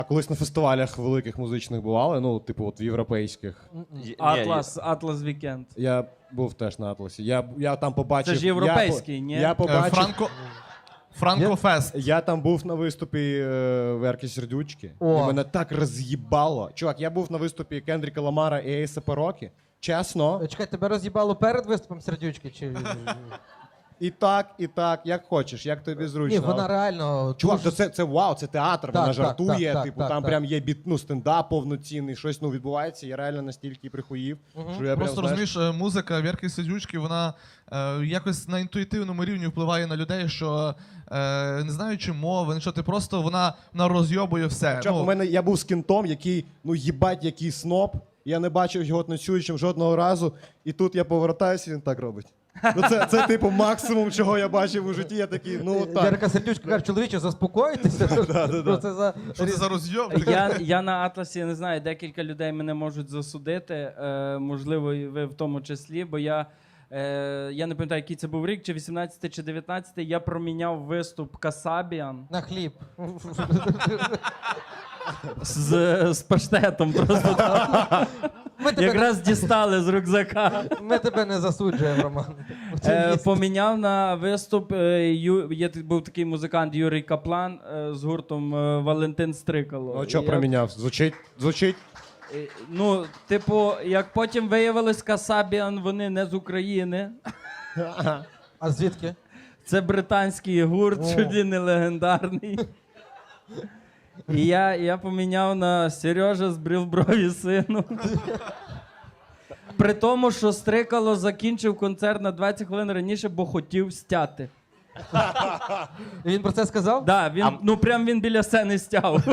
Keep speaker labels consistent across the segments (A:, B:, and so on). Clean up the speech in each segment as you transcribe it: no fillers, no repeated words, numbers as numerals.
A: Колись на фестивалях великих музичних бували, ну, типу, от в європейських.
B: Атлас Вікенд.
A: Я був теж на Атласі. Я там побачив...
B: Це ж європейський, ні?
A: Я побачив...
C: Франкофест.
A: Я там був на виступі Верки Сердючки, і мене так роз'їбало. Чувак, я був на виступі Кендріка Ламара і Ейса Рокі. Чесно.
D: Чекай, тебе роз'їбало перед виступом Сердючки? Чи...
A: І так, як хочеш, як тобі зручно.
D: Ні, вона реально...
A: Чувак, це вау, це театр, вона жартує,
D: так,
A: типу,
D: так,
A: там
D: так.
A: прям є стендап повноцінний, щось відбувається, я реально настільки прихуїв, що я
C: Просто
A: прям,
C: розумієш, музика Вірки Сердючки, вона якось на інтуїтивному рівні впливає на людей, що не знаючи мови, що ти просто вона розйобує все.
A: Чувак, я був з кінтом, який, їбать, який сноб, я не бачив його танцюючим жодного разу, і тут я повертаюся, і він так робить. Це типу максимум, чого я бачив у житті. Я такий, так.
D: Вірка Сердючка каже, чоловіче, заспокойтеся.
C: Що це за розйоб?
B: Я на Атласі, не знаю, декілька людей мене можуть засудити, можливо, і ви в тому числі, бо я не пам'ятаю, який це був рік, чи 18-й, чи 19-й, я проміняв виступ Касабіан
D: На хліб.
B: з паштетом просто. Якраз дістали з рюкзака.
D: Ми тебе не засуджуємо, Роман.
B: Поміняв на виступ, був такий музикант Юрій Каплан з гуртом Валентин Стрикало.
A: Ну, що проміняв? Звучить?
B: Ну, типу, як потім виявилось, Касабіан, вони не з України.
D: А звідки?
B: Це британський гурт, чуть ли не легендарний. І я поміняв на Сережа збрив брові сину. При тому, що Стрикало закінчив концерт на 20 хвилин раніше, бо хотів стяти.
D: І він про це сказав?
B: Так, він біля сцени стяв.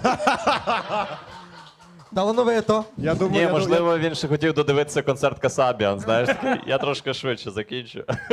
D: Талановито.
E: Ні, можливо, він ще хотів додивитися концерт Касабіан, знаєш, такий, я трошки швидше закінчу.